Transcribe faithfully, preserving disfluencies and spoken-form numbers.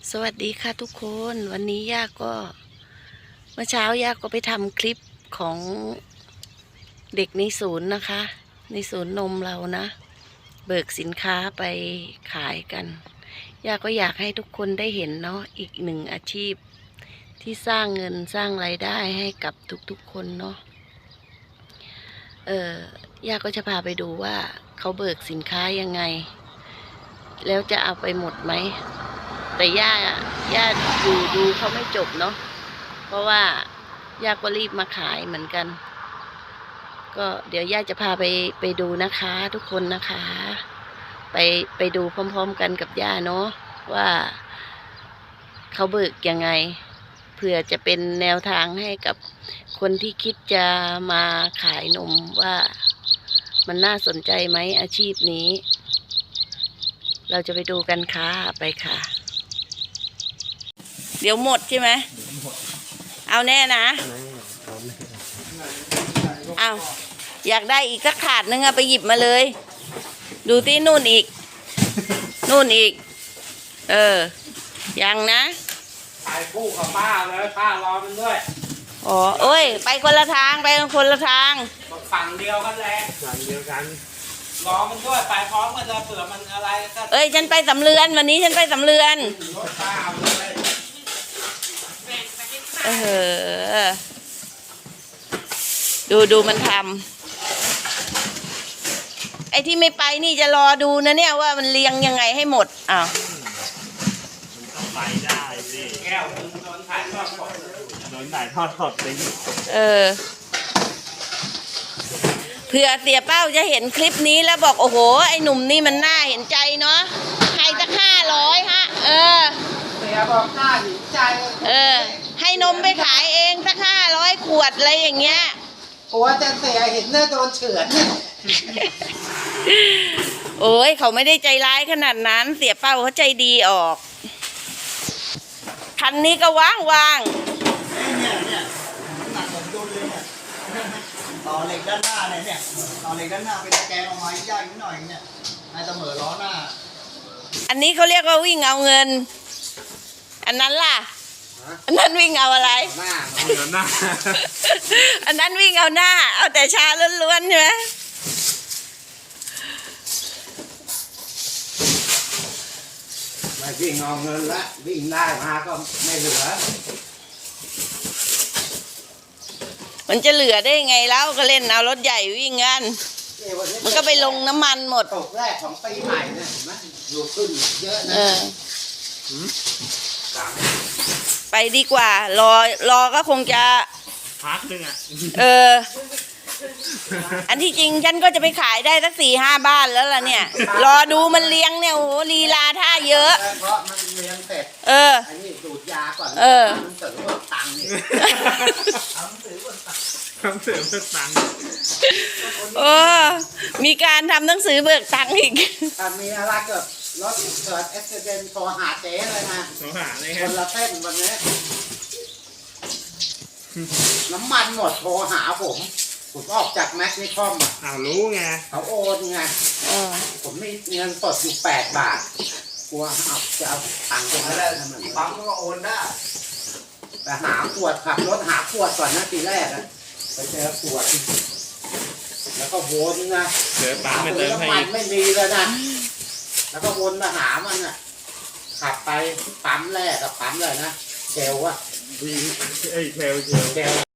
สวัสดีค่ะทุกคนวันนี้ย่าก็เมื่อเช้าย่าก็ไปทำคลิปของเด็กในศูนย์นะคะ ในศูนย์นมเรานะ เบิกสินค้าไปขายกันย่าก็อยากให้ทุกคนได้เห็นเนาะอีกหนึ่งอาชีพที่สร้างเงินสร้างรายได้ให้กับทุกๆคนเนาะเออย่าก็จะพาไปดูว่าเขาเบิกสินค้ายังไงแล้วจะเอาไปหมดไหมแต่ย่าย่าดูดูเขาไม่จบเนาะเพราะว่าย่าก็รีบมาขายเหมือนกันก็เดี๋ยวย่าจะพาไปไปดูนะคะทุกคนนะคะไปไปดูพร้อมๆกันกับย่าเนาะว่าเขาเบิกยังไงเผื่อจะเป็นแนวทางให้กับคนที่คิดจะมาขายนมว่ามันน่าสนใจไหมอาชีพนี้เราจะไปดูกันค่ะไปค่ะเดี๋ยวหมดใช่ไหมเอาแน่นะเอาอยากได้อีกสักถาดนึงอะไปหยิบมาเลยดูที่นู่นอีกนู่นอีกเออยังนะถ่ายคู่กับป้าเลยป้ารอมันด้วยอ๋อเอ้ยไปคนละทางไปคนละทางฝั่งเดียวกันแหละฝั่งเดียวกันรอมันด้วยไปพร้อมกันเลยเผื่อมันอะไรก็เอ้ยฉันไปสำเรือนวันนี้ฉันไปสำเรือนรถป้าเลยเออดูดูมันทำไอ้ที่ไม่ไปนี่จะรอดูนะเนี่ยว่ามันเรียงยังไงให้หมดอ้าวต้องไปได้สิแก้วโดนถ่ายทอดสดโดนถ่ายทอดสดสิเออเผื่อเสียเป้าจะเห็นคลิปนี้แล้วบอกโอ้โหไอ้หนุ่มนี่มันน่าเห็นใจเนาะให้สักห้าร้อยฮะเออเสียบอกน่าเห็นใจเออให้นมไปขายเองสักห้าร้อยขวดอะไรอย่างเงี้ยโอ้จะเสียเห็นเนื้อโดนเฉือนโอ้ยเขาไม่ได้ใจร้ายขนาดนั้นเสียเป้าเขาใจดีออกคันนี้ก็ว่างว่างเนี่ยเนี่ยหนักผมดุลเลยเนี่ยต่อเหล็กด้านหน้าเนี่ยเนี่ยต่อเหล็กด้านหน้าเป็นตะแกรงออกมาย่างนิดหน่อยเนี่ยให้เสมอล้อหน้าอันนี้เขาเรียกว่าวิ่งเอาเงินอันนั้นล่ะอันนั้นวิ่งเอาอะไรหน้าเอาหน้าอันนั้นวิ่งเอาหน้าเอาแต่ชาล้วนๆใช่ไหมไม่วิ่งเอาเงินละวิ่งได้มาก็ไม่เหลือมันจะเหลือได้ไงแล้วก็เล่นเอารถใหญ่วิ่งกันมันก็ไปลงน้ำมันหมดตกแรกของปีใหม่เนี่ยเห็นไหมอยู่ขึ้นเยอะนะไปดีกว่ารอรอก็คงจะพักนึงอ่ะเอออันที่จริงฉันก็จะไปขายได้สักสี่ห้าบ้านแล้วล่ะเนี่ยรอดูมันเลี้ยงเนี่ยโอ้โหลีลาท่าเยอะเพราะมันเลี้ยงเสร็จเอออันนี้ดูดยาก่อนเออมันเสริมเพิ่มตังค์นี่ทำเสริมเพิ่มตังค์ทำเสริมเพิ่มตังค์โอ้มีการทำหนังสือเบิกตังค์อีกถ้ามีอะไรเกิดรถเกิดอุบัติเหตุโทรหาเจ๊เลยนะโทรหาเลยคนละเส้นวันนี้น้ำมันหมดโทรหาผมผมออกจากแมคนิคอมอ่ะอ้าวรู้ไงเขาโอนไงผมมีเงินสดอยู่แปดบาทกลัวเอาจะเอาตังค์ไปได้ทำไมปั๊มก็โอนได้แต่หาขวดขับรถหาขวดก่อนนะทีแรกนะไปเจอขวดแล้วก็วนนะเจอปั๊มไม่เติมให้มันไม่มีเลยนะแล้วก็วนมาหามันอ่ะขับไปปั๊มแรกกับปั๊มเลยนะเชลว่ะเอ้ยเชลเชล